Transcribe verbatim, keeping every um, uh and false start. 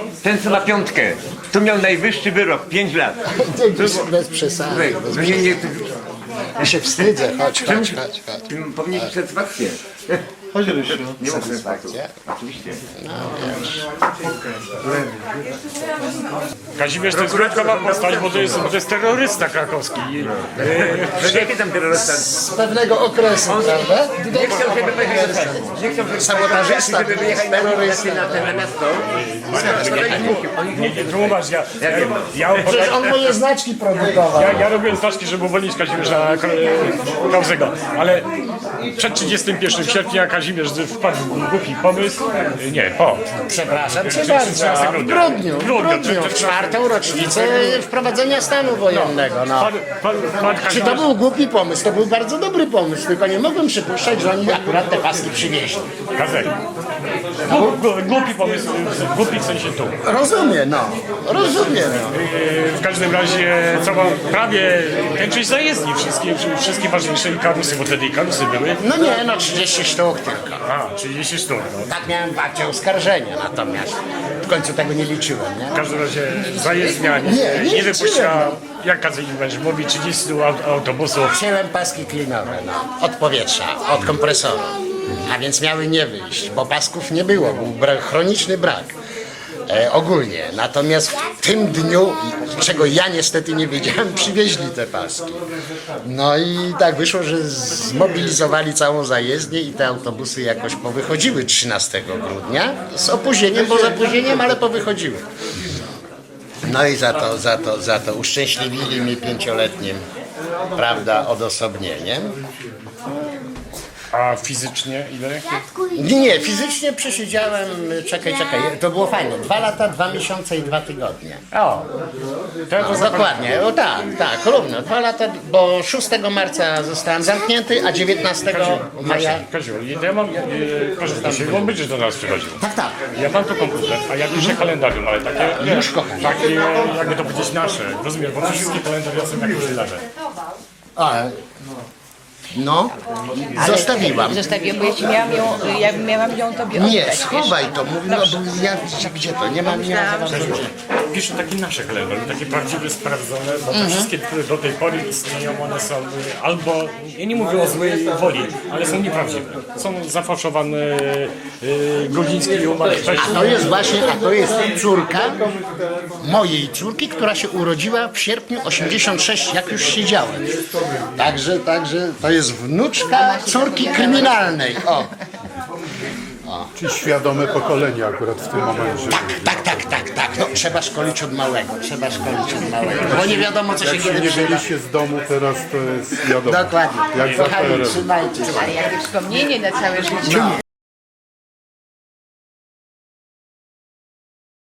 ten co ma piątkę, tu miał najwyższy wyrok, pięć lat. Bez, bez przesady. Bez No nie, nie, Ja się wstydzę, chodź, Czemu? chodź, chodź, chodź. powinien mieć satysfakcję. Chodź, Rysiu. Nie ma satysfakcji. Satysfakcja? Oczywiście. Kazimierz to jest wyjątkowa postać, bo to jest, to jest terrorysta krakowski. No jakie tam terrorysta? Z pewnego okresu, prawda? Nie chciał, żeby pojechać do Stanów. Nie chciał, żeby Sabotażysta, żeby wyjechać na terrorysta. na na miasto. Nie, nie, tłumacz, ja, ja, ja, Przecież on moje znaczki produkował. ja, ja robiłem znaczki, żeby uwolnić Kazimierza Kauzego, ale przed trzydziestym pierwszym sierpnia Kazimierz wpadł w głupi pomysł. Nie, po. Przepraszam cię bardzo. W grudniu, w grudniu, w czwartą rocznicę wprowadzenia stanu wojennego. No. Pan, pan, pan Czy to Kazimierz, był głupi pomysł? To był bardzo dobry pomysł, tylko nie mogłem przypuszczać, że oni akurat te paski przywieźli. Kazek. Głup- głup- Głupi pomysł, głupi w sensie tu. Rozumiem, no. Rozumiem, no. Yy, W każdym razie cała prawie większość zajezdni, wszystkie, wszystkie ważniejsze i karusy, bo wtedy i karusy były. No nie, no trzydzieści sztuk tylko. A, trzydzieści sztuk. No. Tak miałem w akcie oskarżenia, natomiast w końcu tego nie liczyłem, nie? W każdym razie zajezdnia nie, Nie, nie nie wypuściła, liczyłem. jak Kazek będzie mówi, trzydzieści aut- autobusów. Wziąłem paski klinowe, no, od powietrza, od kompresora. A więc miały nie wyjść, bo pasków nie było, był bra- chroniczny brak. E, ogólnie. Natomiast w tym dniu, czego ja niestety nie wiedziałem, przywieźli te paski. No i tak wyszło, że zmobilizowali całą zajezdnię i te autobusy jakoś powychodziły trzynastego grudnia. Z opóźnieniem, bo z opóźnieniem, ale powychodziły. No i za to, za to, za to uszczęśliwili mi pięcioletnim, prawda, odosobnieniem. A fizycznie ile? Nie, nie, fizycznie przesiedziałem, czekaj, czekaj, to było fajne, dwa lata, dwa miesiące i dwa tygodnie. O, to ja to No, dokładnie, o tak, tak, równo, dwa lata, bo szóstego marca zostałem zamknięty, a dziewiętnastego maja... Kaziu, to ja mam, e, proszę, Kaziu, on będzie do nas przychodził. Tak, tak. Ja mam tu komputer, a ja piszę kalendarium, ale takie, Już, kochanie. takie, jakby to powiedzieć, nasze, rozumiesz, bo wszystkie kalendaria są jak już lewe. A, no, zostawiłam. Zostawiłam, bo jeśli miałam ją, ja miałam ją tobie oddać. Nie, wiesz? schowaj to, mówię, no, bo ja, gdzie to, nie mam, nie mam za bardzo gdzie. Piszę takie nasze kalendarium, takie prawdziwe, sprawdzone, bo te wszystkie, które do tej pory istnieją, one są y, albo, ja nie mówię o złej woli, ale są nieprawdziwe. Są zafałszowane, y, Godziński umarł A wcześniej. to jest właśnie, a to jest córka mojej córki, która się urodziła w sierpniu osiemdziesiąt sześć, jak już siedziałem. Także, także to jest wnuczka córki kryminalnej. O, Czyli świadome pokolenie akurat w tym momencie. tak, tak, tak, tak. No, trzeba szkolić od małego, trzeba szkolić od małego, bo nie wiadomo, co się Jak kiedy nie przyda. byliście z domu, teraz to jest wiadomo. Dokładnie. Jak za Kochani, P R L. trzymajcie się. Ale jakie wspomnienie na całe życie.